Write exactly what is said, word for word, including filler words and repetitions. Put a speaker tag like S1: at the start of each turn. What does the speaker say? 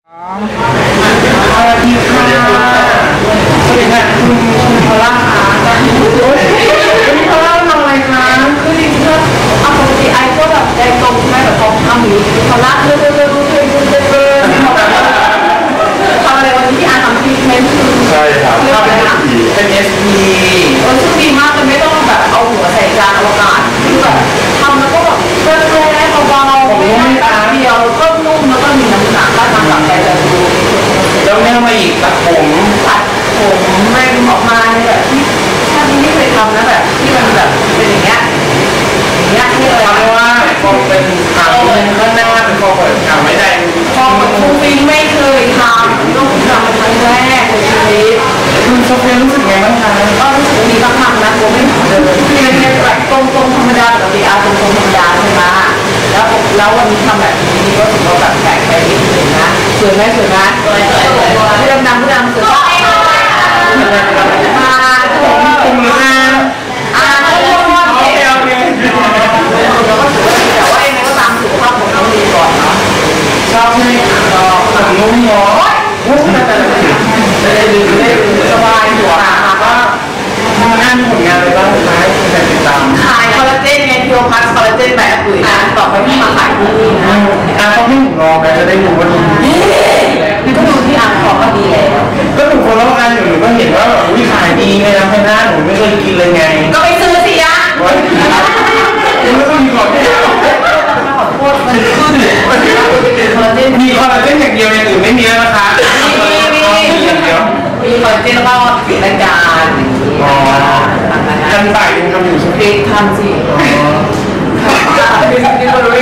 S1: สวัสดีค่ะสวัสดีค่ะคุณคุณพอลล่าค่ะคุณพอลล่าทำอะไรคะคือจริงๆแล้วปกติไอ้ก็แบบแดงตรงใช่ไหมแบบพอทำอย่างนี้พอลล่าเรื่อยๆเรื่อยๆเรื่อยๆเรื่อยๆเรื่อยๆทำอะไรวันนี้ที่อาทำทรีทเมนต์คือ
S2: ใช่ครับ
S1: เรื่องอะไรนะ
S2: เป็น เอส พี
S1: เออซึ่งดีมากเลยไม่ต้องแบบเอาหัวใส่จานอวกาศคือแบบทำแล้วก็แบบแร่ๆเบาๆไม่ได้แบบเดียวก็นุ่มแล้วก็มีน้ำหนักก็ทำแบบใจจะดู
S2: แล้วแม่มาอีกตัดผม
S1: ตัดผมแม่งออกมาในแบบที่ชาตินี้ไม่เคยทำนะแบบที่มันแบบเป็นอย่างเงี้ยอย่างเงี้ยที่อะไร
S2: เพราะว่าคงเป็นขาวข้างหน้าเป็นคอเปิดขาวไม่ได้
S1: พอมันฟูฟิงไม่เคยทำต้องทำเป็นครั้งแรกในชีวิต
S2: คุณโซเฟียรู้สึกไงบ้างคะ
S1: ก็รู้สึกดีมากๆนะผมไม่เหมือนเดิมที่เป็นแบบตรงๆธรรมดาปกติอาตรงๆธรรมดาใช่ไหมแล้วแล้ววันนี้ทำแบบนี้ก็ถือว่าแบบแปลกไปนิดนึงนะสวยไหมสวยไหมสวยสวยสวยผู้ดำดำผู้ดำสวยมา
S2: คุมเลยนะ
S1: อ่าโอเคโอเคเราก็ถือว่าดีแต่ว่ายังไงก็ตามสุขภาพของเราดีก่อนเนาะ
S2: ชอบไหมชอบผมงงงอ
S1: จะได้ดูได้ดูสบายหัวค่ะก็
S2: ทำงานผลงานอะไรบ้างคะที่จะติดตาม
S1: ขายคอลลาเจนไงพิโอพัสคอลลาเจนแบบปุ๋ยนะต่อไปที่มาขายที่นี่นะ
S2: อ่ะเขาให้ผมลองนะจะได้รู้ว่าดี
S1: ก็ดูที่อ่างของก็ดีแล้ว
S2: ก็หนูคนละอันอยู่หนูก็เห็นว่าแบบวิขายดีไงนะแค่หน้าหนูไม่เคยกินเลยไง
S1: ก็ไปซื้อสิยะ
S2: คุณไม่ต้องมีก่อนที่
S1: ขอโทษมันขึ้นคอลลาเจน
S2: มีคอลลาเจนอย่างเดียวอย่างอื่นไม่มีแล้วนะคะ
S1: มีมีมี
S2: อย่างเดียว
S1: มีคอลลาเจนแล้วก็ปิดรายการ
S2: อ๋อทันบ่ายยังทำอยู่ใช่ไหม
S1: ทำสิมีคนรู้